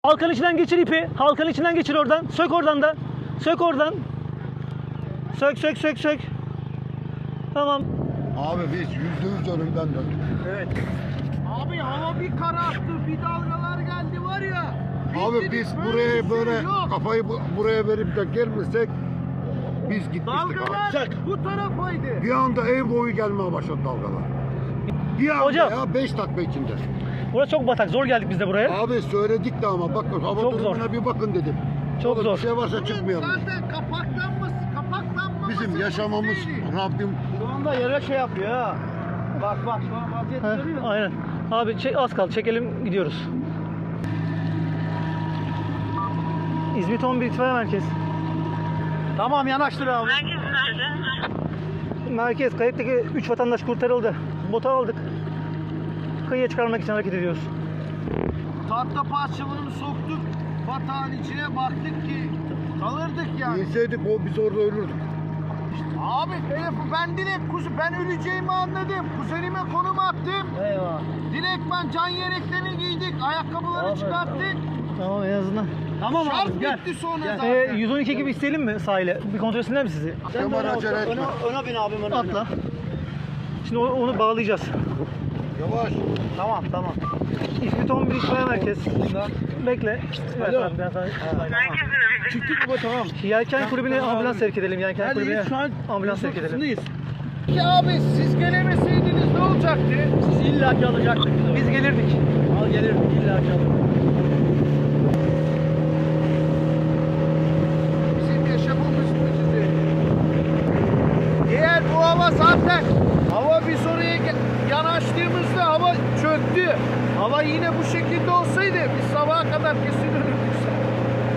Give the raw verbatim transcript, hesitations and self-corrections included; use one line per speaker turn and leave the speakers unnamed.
Halkanın içinden geçir ipi. Halkanın içinden geçir oradan. Sök oradan da. Sök oradan. Sök sök sök sök. Tamam.
Abi biz yüzde yüz önümden döndük.
Evet.
Abi hava bir kararttı, bir dalgalar geldi var ya.
Abi biz buraya böyle kafayı bu- buraya verip de gelmesek biz gitmiştik
Dalgalar
abi.
bu tarafaydı.
Bir anda ev boyu gelmeye başladı dalgalar. Bir anda
Hocam.
ya beş dakika içinde.
Burası çok batak. Zor geldik biz de buraya.
Abi söyledik de ama bakın hava
Çok
durumuna
zor.
bir bakın dedim.
Çok
Oğlum,
zor.
Bir şey varsa çıkmayalım.
Zaten kapaklanması, kapaklanmaması.
Bizim yaşamamız Rabbim.
Şu anda yere şey yapıyor ha. Bak bak şu an vaziyet
Heh,
görüyor musun?
aynen. Abi çek, az kaldı. Çekelim gidiyoruz. İzmit on bir itfaiye merkez.
Tamam yanaştır abi.
Merkez kayıttaki üç vatandaş kurtarıldı. Botu aldık. Kıyıya çıkarmak için hareket ediyoruz.
Tahta parçalarını soktuk. Batağın içine baktık ki kalırdık yani.
İnseydik o biz orada ölürdük.
Abi telefon ben direkt kuzu ben öleceğimi anladım. Kuzenime konum attım.
Eyvah.
Direkt ben can yeleklerini giydik. Ayakkabıları
Abi,
çıkarttık.
Tamam en azından.
Tamam abi gel. Bitti sonra zaten.
Ee, yüz on iki gibi isteyelim mi sahile? Bir kontrol etsinler mi sizi?
Kemal acele etme.
Öne, öne bin abim öne bin.
Atla. Şimdi onu, onu bağlayacağız.
Yavaş.
Tamam tamam.
İzmit on bir itfaiye merkez. Bekle. Evet,
Alo.
abi, ben sana...
Çıktık baba tamam.
Yelken kulübüne ambulans sevk edelim. Yelken
Hadi
kulübüne
şu an
ambulans sevk edelim.
Ya abi siz gelemeseydiniz ne olacaktı? Siz illaki alacaktık.
Biz gelirdik.
Al gelirdik illaki alırdık. Bizim yaşamımız mucize. Eğer bu hava zaten hava biz oraya ge- yanaştığımızda hava çöktü. Hava yine bu şekilde olsaydı biz sabaha kadar kesin